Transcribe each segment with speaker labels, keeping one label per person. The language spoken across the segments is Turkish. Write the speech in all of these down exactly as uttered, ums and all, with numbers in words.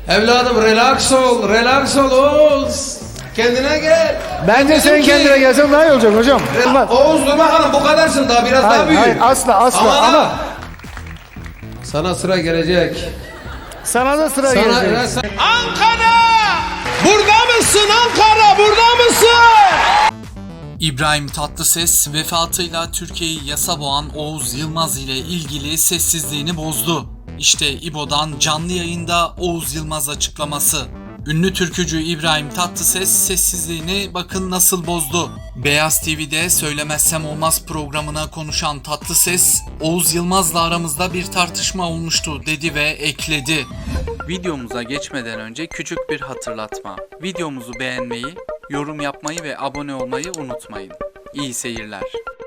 Speaker 1: Evladım relax ol, relax ol Oğuz. Kendine gel.
Speaker 2: Bence sen
Speaker 1: ki-
Speaker 2: kendine gelsen daha iyi olacak hocam. Olmaz.
Speaker 1: Oğuz dur bakalım, bu kadarsın, daha biraz
Speaker 2: Hayır,
Speaker 1: daha büyük.
Speaker 2: hayır, asla, asla.
Speaker 1: Ama,
Speaker 2: Ama-
Speaker 1: sana sıra gelecek.
Speaker 2: Sana da sıra
Speaker 1: Sana,
Speaker 2: gelecek.
Speaker 1: ya sen-
Speaker 3: Ankara! Burada mısın Ankara? Burada mısın?
Speaker 4: İbrahim Tatlıses vefatıyla Türkiye'yi yasa boğan Oğuz Yılmaz ile ilgili sessizliğini bozdu. İşte İbo'dan canlı yayında Oğuz Yılmaz açıklaması. Ünlü türkücü İbrahim Tatlıses sessizliğini bakın nasıl bozdu. Beyaz T V'de Söylemezsem Olmaz programına konuşan Tatlıses, Oğuz Yılmaz'la aramızda bir tartışma olmuştu dedi ve ekledi. Videomuza geçmeden önce küçük bir hatırlatma. Videomuzu beğenmeyi, yorum yapmayı ve abone olmayı unutmayın. İyi seyirler.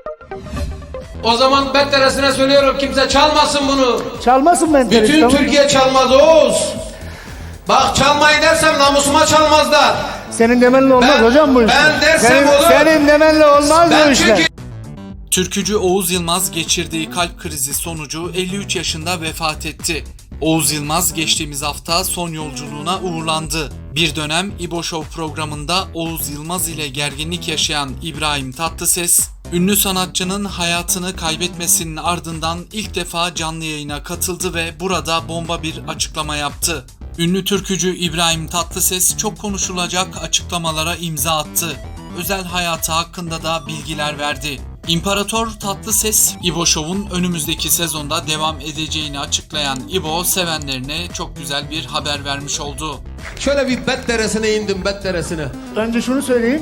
Speaker 1: O zaman betteresine söylüyorum, kimse çalmasın bunu.
Speaker 2: Çalmasın ben
Speaker 1: Bütün
Speaker 2: tamam mı?
Speaker 1: Türkiye çalmaz Oğuz. Bak çalmayı dersem namusuma çalmazlar.
Speaker 2: Senin demenle olmaz
Speaker 1: Ben-
Speaker 2: hocam bu işler.
Speaker 1: ben dersem
Speaker 2: senin,
Speaker 1: olur.
Speaker 2: Senin demenle olmaz bu
Speaker 1: Ben
Speaker 2: işler.
Speaker 1: çünkü...
Speaker 4: Türkücü Oğuz Yılmaz geçirdiği kalp krizi sonucu elli üç yaşında vefat etti. Oğuz Yılmaz geçtiğimiz hafta son yolculuğuna uğurlandı. Bir dönem İbo Show programında Oğuz Yılmaz ile gerginlik yaşayan İbrahim Tatlıses, ünlü sanatçının hayatını kaybetmesinin ardından ilk defa canlı yayına katıldı ve burada bomba bir açıklama yaptı. Ünlü türkücü İbrahim Tatlıses çok konuşulacak açıklamalara imza attı. Özel hayatı hakkında da bilgiler verdi. İmparator Tatlıses, İbo Show'un önümüzdeki sezonda devam edeceğini açıklayan İbo sevenlerine çok güzel bir haber vermiş oldu.
Speaker 1: Şöyle bir betteresine indim, betteresine.
Speaker 2: Önce şunu söyleyeyim.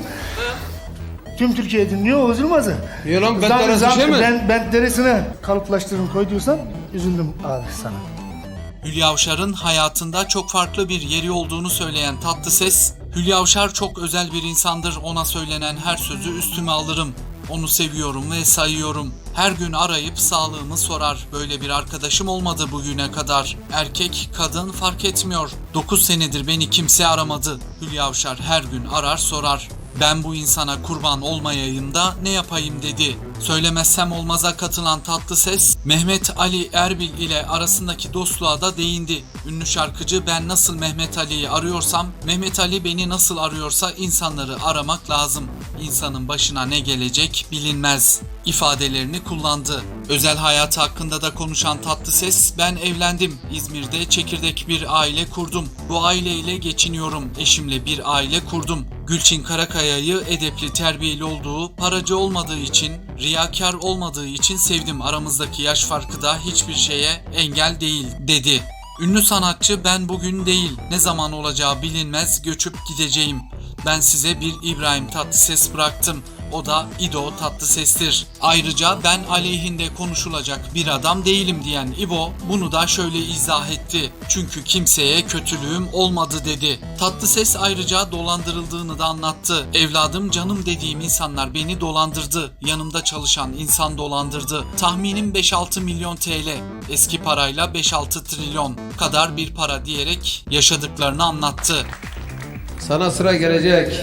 Speaker 2: Tüm Türkiye dinliyor Oğuz Yılmaz'ı.
Speaker 1: Niye lan,
Speaker 2: Zam-
Speaker 1: betteresi
Speaker 2: zam-
Speaker 1: şey mi?
Speaker 2: Ben, ben deresine kalıplaştırın koy diyorsan üzüldüm abi sana.
Speaker 4: Hülya Avşar'ın hayatında çok farklı bir yeri olduğunu söyleyen Tatlıses, Hülya Avşar çok özel bir insandır, ona söylenen her sözü üstüme alırım. Onu seviyorum ve sayıyorum. Her gün arayıp sağlığımı sorar. Böyle bir arkadaşım olmadı bugüne kadar. Erkek, kadın fark etmiyor. dokuz senedir beni kimse aramadı. Hülya Avşar her gün arar sorar. Ben bu insana kurban olmayayım da ne yapayım dedi. Söylemezsem Olmaz'a katılan Tatlıses, Mehmet Ali Erbil ile arasındaki dostluğa da değindi. Ünlü şarkıcı ben nasıl Mehmet Ali'yi arıyorsam, Mehmet Ali beni nasıl arıyorsa insanları aramak lazım. İnsanın başına ne gelecek bilinmez ifadelerini kullandı. Özel hayatı hakkında da konuşan Tatlıses, ben evlendim. İzmir'de çekirdek bir aile kurdum. Bu aileyle geçiniyorum. Eşimle bir aile kurdum. Gülçin Karakaya'yı edepli, terbiyeli olduğu, paracı olmadığı için, riyakar olmadığı için sevdim. Aramızdaki yaş farkı da hiçbir şeye engel değil dedi. Ünlü sanatçı ben bugün değil, ne zaman olacağı bilinmez, göçüp gideceğim. Ben size bir İbrahim Tatlıses bıraktım. O da İdo Tatlıses'tir. Ayrıca ben aleyhinde konuşulacak bir adam değilim diyen İbo bunu da şöyle izah etti. Çünkü kimseye kötülüğüm olmadı dedi. Tatlıses ayrıca dolandırıldığını da anlattı. Evladım canım dediğim insanlar beni dolandırdı. Yanımda çalışan insan dolandırdı. Tahminim beş altı milyon T L. Eski parayla beş altı trilyon kadar bir para diyerek yaşadıklarını anlattı.
Speaker 1: Sana sıra gelecek.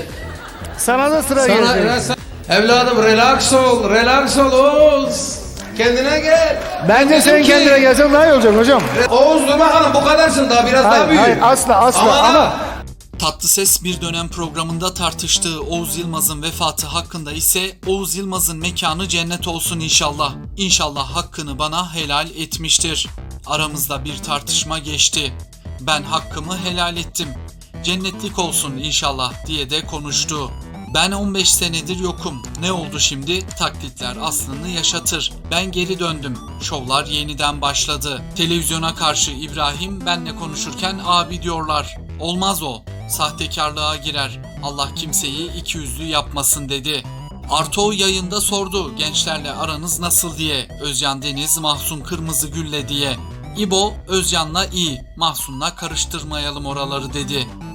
Speaker 2: Sana da sıra
Speaker 1: Sana,
Speaker 2: gelecek.
Speaker 1: ya sen- Evladım relax ol, relax ol Oğuz. Kendine gel.
Speaker 2: Bence sen
Speaker 1: ki-
Speaker 2: kendine gelsen daha iyi olacak hocam.
Speaker 1: Oğuz dur bakalım, bu kadarsın, daha biraz
Speaker 2: Hayır,
Speaker 1: daha büyük.
Speaker 2: hayır, asla, asla.
Speaker 1: Ama,
Speaker 2: Ama-
Speaker 4: Tatlıses bir dönem programında tartıştığı Oğuz Yılmaz'ın vefatı hakkında ise Oğuz Yılmaz'ın mekanı cennet olsun inşallah. İnşallah hakkını bana helal etmiştir. Aramızda bir tartışma geçti. Ben hakkımı helal ettim. Cennetlik olsun inşallah diye de konuştu. Ben on beş senedir yokum. Ne oldu şimdi? Taklitler aslını yaşatır. Ben geri döndüm. Şovlar yeniden başladı. Televizyona karşı İbrahim benle konuşurken abi diyorlar. Olmaz o. Sahtekarlığa girer. Allah kimseyi ikiyüzlü yapmasın dedi. Arto yayında sordu gençlerle aranız nasıl diye. Özcan Deniz, Mahsun Kırmızıgül'le diye. İbo, Özcan'la iyi, Mahsun'la karıştırmayalım oraları dedi.